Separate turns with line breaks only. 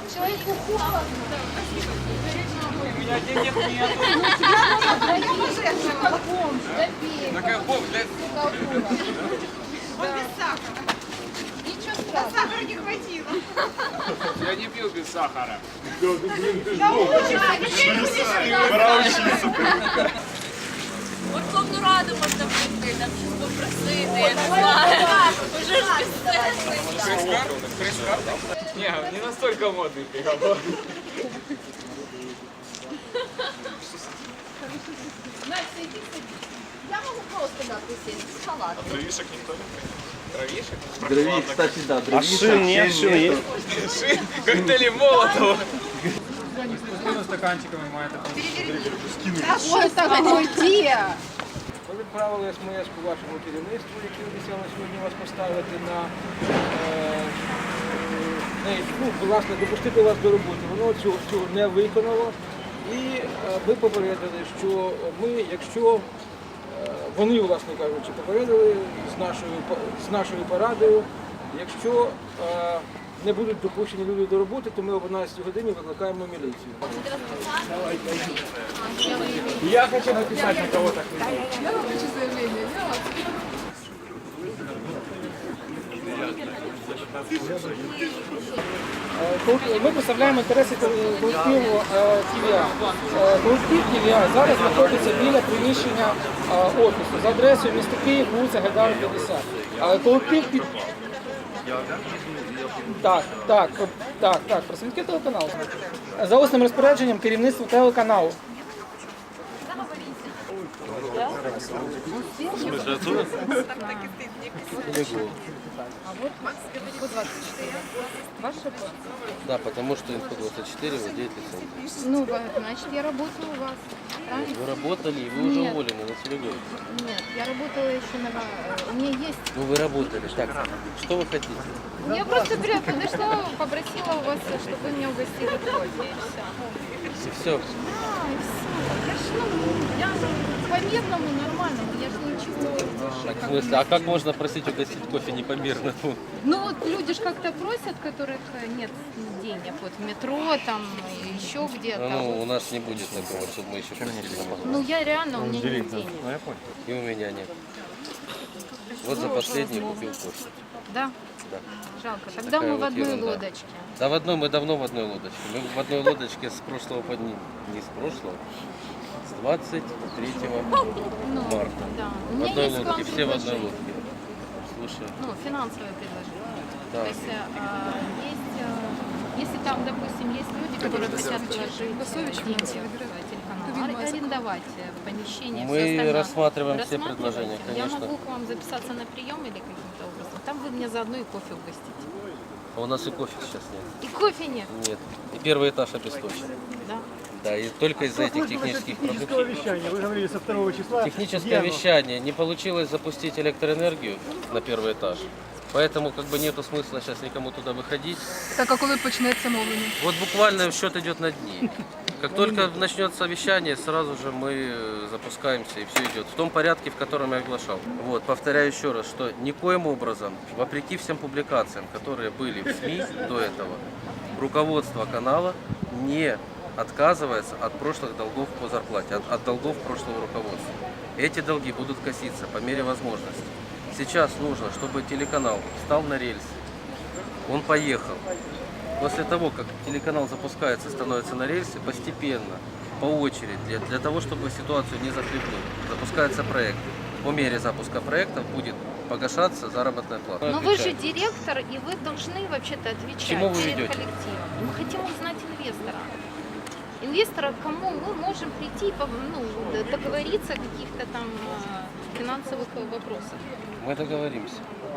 Человеку холодно.
У меня денег нету. Такая бомба для...
Он без сахара. Ничего страшного. Сахара не хватило.
Я не пил без сахара.
От Верховну Раду можна прийти, там щось попросити, я не знаю. Уже ж безсенсний.
Пресс-карт? Не настолько модный приговор.
Настя, иди садись. Я могу просто на присесть с халатом.
Дровишек никто не принес? Дровишек?
Дровишек, кстати, да, дровишек.
Шин есть?
Шин, коктейли Молотова.
Стаканчиками має таку.
Ой, так уйди.
Ми відправили СМС по вашому керівництву, яке обіцяло сьогодні вас поставити власне, допустити вас до роботи. Воно цього не виконало. І ми попередили, що ми, якщо вони, власне кажучи, попередили з нашою порадою, якщо не будуть допущені люди до роботи, то ми об 11 годині викликаємо міліцію.
Я хочу написать на кого-то.
Ми представляємо інтереси колективу ТВА. Колектив ТВА зараз знаходиться біля приміщення офісу за адресою міста Київ, вулиця Гайдара, 50. Колектив під... Так, представники телеканалу. За усним розпорядженням керівництва телеканалу.
Да, потому что Инфо-24 владеет лицензией.
Ну, значит, я работаю у вас. Правильно?
Вы работали, и вы уже
Нет.
уволены на телегоне.
Нет, я работала еще на... У меня есть...
Ну вы работали. Так, что вы хотите?
Я просто подошла, попросила у вас, чтобы вы меня угостили кофе, и все.
И все.
А, и все. Я по-мирному, нормальному, я же ничего больше.
Так, в смысле, а как можно просить угостить кофе непомерному?
Ну вот люди ж как-то просят, которых нет денег, вот в метро там, еще где-то.
Ну, у нас не будет такого, чтобы мы еще просили на
Ну
позволение.
я реально, у меня нет денег.
И у меня нет. Вот за последний купил кофе.
Да?
Да.
Жалко. Тогда
Такая
мы в
вот
одной
ерунда.
лодочке.
Да, мы давно в одной лодочке. Мы в одной лодочке с прошлого не с прошлого, с 23
Ну,
марта.
да. У
В
меня
одной
есть к вам
лодке, все в одной
предложение.
лодке. Слушай,
Ну, финансовое предложение.
Да.
То есть, если там, допустим, есть люди, которые хотят вложить деньги в телеканал, арендовать помещение,
Мы
всё остальное.
рассматриваем
Вы
все
рассматриваете?
предложения,
Я
конечно.
могу к вам записаться на прием или каким-то образом. Там вы меня заодно и кофе угостите.
А у нас и кофе сейчас нет.
И кофе нет,
Нет. И первый этаж обесточен.
да?
Да, и только из-за этих технических проблем.
вещания. Вы говорили со 2 числа.
Техническое вещание. Не получилось запустить электроэнергию на первый этаж. Поэтому как бы нету смысла сейчас никому туда выходить.
Так, а коли почнеться мовлення?
Вот буквально счет идет на дни. Как только начнется вещание, сразу же мы запускаемся и все идет в том порядке, в котором я оглашал. Вот, повторяю еще раз, что никоим образом, вопреки всем публикациям, которые были в СМИ до этого, руководство канала не отказывается от прошлых долгов по зарплате, от долгов прошлого руководства. Эти долги будут коситься по мере возможности. Сейчас нужно, чтобы телеканал встал на рельсы, он поехал. После того, как телеканал запускается, становится на рельсы, постепенно, по очереди, для того, чтобы ситуацию не захлебнуть, запускается проект. По мере запуска проектов будет погашаться заработная плата.
Но вы же директор, и вы должны вообще-то отвечать
Чему вы
перед
ведете?
коллективом. Мы хотим узнать инвестора. Инвестора, к кому мы можем прийти, договориться о каких-то там финансовых вопросах.
Мы договоримся.